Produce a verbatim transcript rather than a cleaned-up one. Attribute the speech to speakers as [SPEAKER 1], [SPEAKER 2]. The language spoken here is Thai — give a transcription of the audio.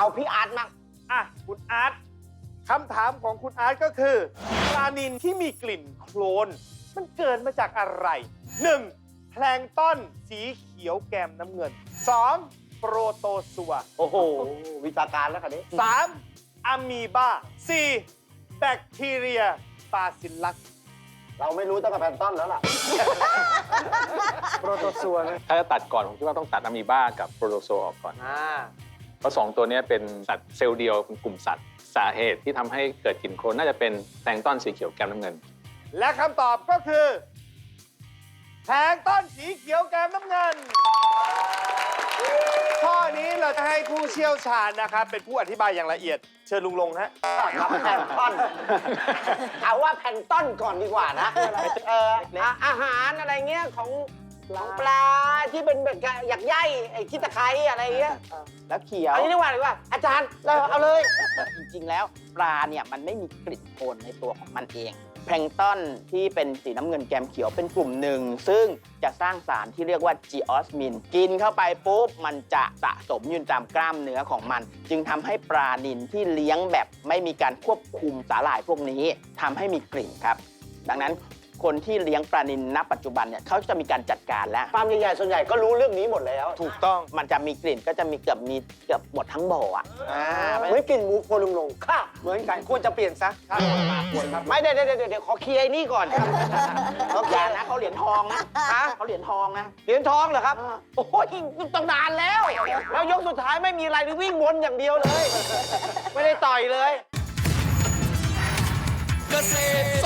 [SPEAKER 1] เอาพี่อาร์ตมา
[SPEAKER 2] อ่ะคุณอาร์ตคำถามของคุณอาร์ตก็คือปลานิลที่มีกลิ่นโคลนมันเกิดมาจากอะไร หนึ่ง. แพลงก์ต้นสีเขียวแกมน้ำเงิน สอง. โปรโตซัว
[SPEAKER 1] โอ้โหวิชาการแล้วคันนี้
[SPEAKER 2] สาม. อะมีบา สี่. แบคทีเรียบาซิลลัส
[SPEAKER 1] เราไม่รู้ตั้งแต่แพนต้นแล้วล่ะ
[SPEAKER 2] โปรโตซัวนะ
[SPEAKER 3] ถ้าจะตัดก่อนผมคิดว่าต้องตัดอะมีบ้ากับโปรโตโซออกก่อน
[SPEAKER 2] อ่า
[SPEAKER 3] เพราะสองตัวนี้เป็นสัตว์เซลล์เดียวเป็นกลุ่มสัตว์สาเหตุที่ทำให้เกิดกลิ่นโคลนน่าจะเป็นแพลงก์ต้นสีเขียวแก้มน้ำเงิน
[SPEAKER 2] และคำตอบก็คือแพลงก์ต้นสีเขียวแกมน้ำเงิน ข้อนี้เราจะให้ผู้เชี่ยวชาญนะครับเป็นผู้อธิบายอย่างละเอียด เชิญลุงลงฮะ
[SPEAKER 1] ครับแพนต้นเอาว่าแพนต้นก่อนดีกว่านะเอออ่ะอาหารอะไรเงี้ยของของปลาที่เป็นแบบหยักใยไอ้ขี้ตะไคร้อะไรเงี้ย
[SPEAKER 4] แล้วเขียว
[SPEAKER 1] อันนี้ดีกว่าดีกว่าอาจารย์เราเอาเลย
[SPEAKER 4] จริงๆ แล้วปลาเนี่ยมันไม่มีกลิ่นโคลนในตัวของมันเอง แพลงก์ต้นที่เป็นสีน้ำเงินแกมเขียวเป็นกลุ่มหนึ่ง ซึ่งจะสร้างสารที่เรียกว่าจีออสมิน กินเข้าไปปุ๊บมันจะสะสมอยู่ตามกล้ามเนื้อของมัน จึงทำให้ปลานิลที่เลี้ยงแบบไม่มีการควบคุมสาหร่ายพวกนี้ทำให้มีกลิ่นครับ ดังนั้นคนที่เลี้ยงปลานิลณปัจจุบันเนี่ยเขาจะมีการจัดการแล้ว
[SPEAKER 1] ฟาร์มใหญ่ๆส่วนใหญ่ก็รู้เรื่องนี้หมดแล้ว
[SPEAKER 2] ถูกต้อง
[SPEAKER 4] มันจะมีกลิ่นก็จะมีเกือบมีเกือบหมดทั้งบ่ออ่ะ
[SPEAKER 1] อ่าเหมือนกลิ่นหมูโคลุงลงค่ะเหมือนกันควรจะเปลี่ยนซะไม่เดี๋ยวเดี๋ยวเดี๋ยวขอเคลียร์ไอ้นี่ก่อน
[SPEAKER 4] เขาอย่านะเขาเหรียญทองนะ
[SPEAKER 1] ฮะ
[SPEAKER 4] เขาเหรียญทองนะ
[SPEAKER 1] เหรียญทองเหรอครับ โอ้ยต้องนานแล้ว แล้วยกสุดท้ายไม่มีอะไรวิ่งวนอย่างเดียวเลย ไม่ได้ต่อยเลย
[SPEAKER 5] เกษตร